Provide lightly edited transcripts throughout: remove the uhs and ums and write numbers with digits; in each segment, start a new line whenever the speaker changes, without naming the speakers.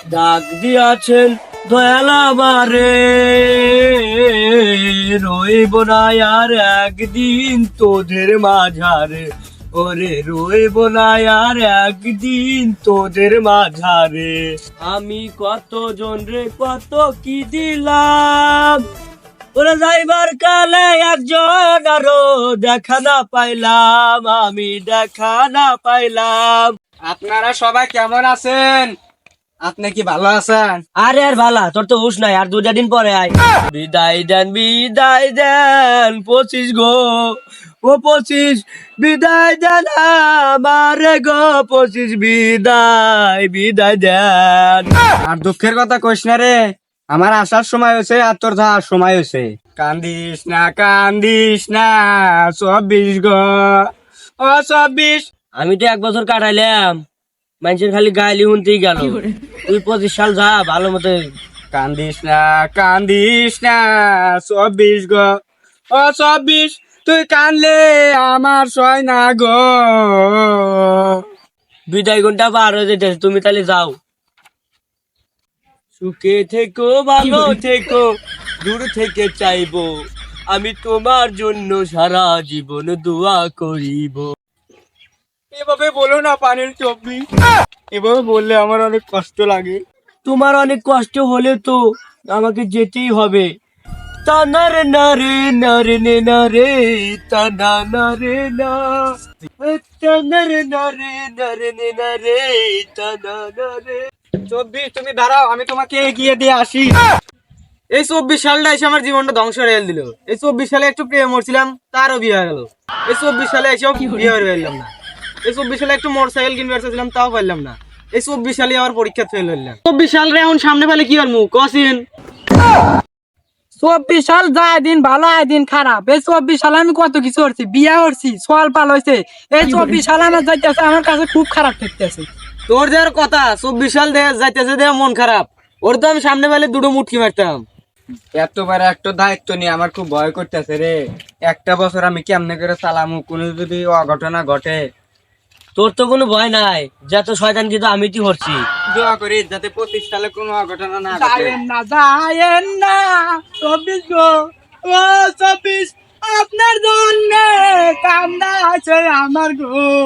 ডাক দিয়াছেন দয়াল আমারে, রইব না আর একদিন তোদের মাঝারে, ওরে রইব না আর একদিন তোদের মাঝারে। আমি কত জন রে কত কি দিলাম, ওরে যাইবার কালে একজন আরো দেখা না পাইলাম, আমি দেখা না পাইলাম।
আপনারা সবাই কেমন আছেন? আপনি কি ভালো আছেন?
আরে আর ভালা, তোর তো হুশ নাই, আর 2টা দিন পরে আয়। বিদায় দেন বিদায় দেন 25 গো, ও 25 বিদায় দেন আমারে গো, 25 বিদায় বিদায় দেন।
আর দুঃখের কথা কইস না রে, আমার আসার সময় হয়েছে আর তোর যাওয়ার সময় হয়েছে। কান্দিস না 24 গো, ও 24।
আমি তো 1 বছর কাটাইলাম, মানুষের খালি গাইলি শুনতেই গেল। তুই 25 সাল যা ভালো মতো।
কান্দিস না 24 গো, ও 24। তুই কানলে আমার সয় না গো।
বিদায় ঘন্টা পার হয়ে যেতেছে, তুমি তাহলে যাও। সুখে থেকো ভালো থেকো, দূর থেকে চাইবো, আমি তোমার জন্য সারা জীবন দোয়া করিব।
এভাবে বলো না পানির চব্বি, এভাবে বললে আমার অনেক কষ্ট লাগে।
তোমার অনেক কষ্ট হলে তো আমাকে যেতেই হবে। তানারে না রে না রে নে না রে, তানা না রে না, তানারে না রে না রে নে না রে, তানা না রে।
24, তুমি দাঁড়াও, আমি তোমাকে এগিয়ে দিয়ে আসি। এই 24 সালটা এসে আমার জীবনটা ধ্বংস হয়ে দিল। এই 24 সালে একটু প্রেম করছিলাম, তারও বিয়ে হয়ে গেল। এই 24 সালে এসেও বিয়ে হয়ে গেলাম না। এই 24 সালে একটু মোটরসাইকেল কিনতে চাইছিলাম, তাও পারলাম না। এই 24 সালে আবার পরীক্ষা ফেল হইলাম। 24 সালে এখন সামনে পেলে কি করবো কসিন?
24 সাল যায় দিন ভালো আয় দিন খারাপ। এই 24 সালে আমি কত কিছু করছি, বিয়া করছি, সোয়াল পাল হয়েছে। এই 24 সাল আমার যাইতেছে, আমার কাছে খুব খারাপ ঠেকতেছে।
তোর যে কথা 24 সাল যাইতেছে দে মন খারাপ। ওর তো আমি সামনে পেলে দুটো মুটকি মারতাম। এতবার একটা দায়িত্ব নিয়ে আমার খুব ভয় করতেছে রে। একটা বছর আমি কেমনে করে চালামু, কোনো যদি অঘটনা ঘটে।
তোর তো কোনো ভয় নাই, যত শয়তান কিন্তু আমি তুই করছি।
দোয়া করি যাতে 25 সালে কোনো অঘটনা না ঘটে।
যায়েন না 24 গো, ও 24 আপনার জন্য কান্না আছে আমার গো।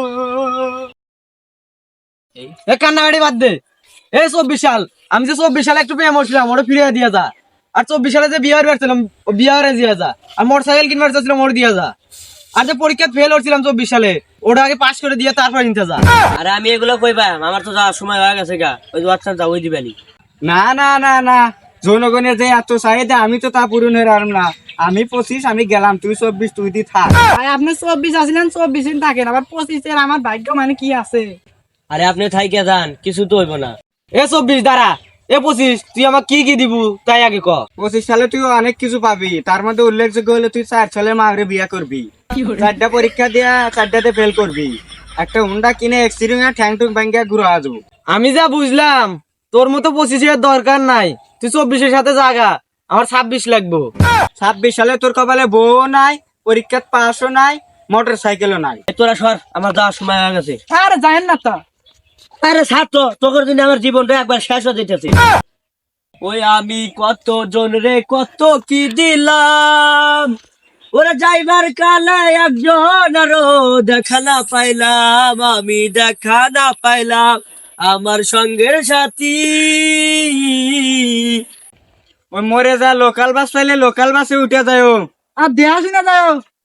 এ কান্নাকাটি বাদ দে। এই 24 সাল, আমি যে 24 সালে একটু প্রেম করছিলাম, ওটা ফিরিয়ে দিয়ে যা। আর 24 সালে যে বিয়ে করছিলাম, ও বিয়ে করে দিয়ে যা। আর মোটরসাইকেল কিনবার চাচ্ছিলাম, ওটা দিয়ে যা। আর যে পরীক্ষা ফেল করছিলাম 24 সালে, ওটা আগে পাস করে দিয়ে তারপর নিতে যা।
আরে আমি এগুলো কই পাম, আমার তো যাওয়ার সময় হয়ে গেছে গা। ওই হোয়াটসঅ্যাপ যাও, ওই দিবানি।
না, জনগণের যে এত চাহিদা, আমি তো তা পূরণ হয়ে পারলাম না। আমি 25, আমি গেলাম, তুই 24, তুই দি থাক।
ভাই আপনি 24 আসলেন, 24 দিন থাকেন, আবার 25 এর আমার ভাগ্য মানে কি আছে?
আরে আপনি থাইকে যান, কিছু তো হইব না।
এ 24 দাঁড়া, এ 25 তুই আমাকে কি কি দিবু তাই আগে ক। 25 সালে তুই অনেক কিছু পাবি, তার মধ্যে উল্লেখযোগ্য হলে তুই 4 সালে মাগরে বিয়ে করবি, 4টা পরীক্ষা দিয়া 4টাতে ফেল করবি, একটা হুন্ডা কিনে এক্সিডেন্ট ঠ্যাং টুং ভাঙ্গিয়া ঘুরে আসবো। আমি যা বুঝলাম তোর মতো 25 এর দরকার নাই, তুই 24 এর সাথে জাগা। আমার 26 লাগবো। 26 সালে তোর কপালে বউ নাই, পরীক্ষা পাসও নাই, মোটর সাইকেলও নাই।
এই তোরা সর, আমার যাওয়ার সময় হয়ে গেছে।
আরে যায়েন না তা।
আরে ছাত্র, তোর জন্য আমার জীবনটা একবার শেষ হয়ে যেতেছে। ওই আমি কত জন রে কত কি দিলাম, ওরা যাইবার কালে একজন আরো দেখা না পাইলাম, আমি দেখা না পাইলাম আমার সঙ্গের সাথী।
ওই মরে যা লোকাল বাস পাইলে লোকাল বাসে উঠে যায়।
আর দেয়া শুনে যাও।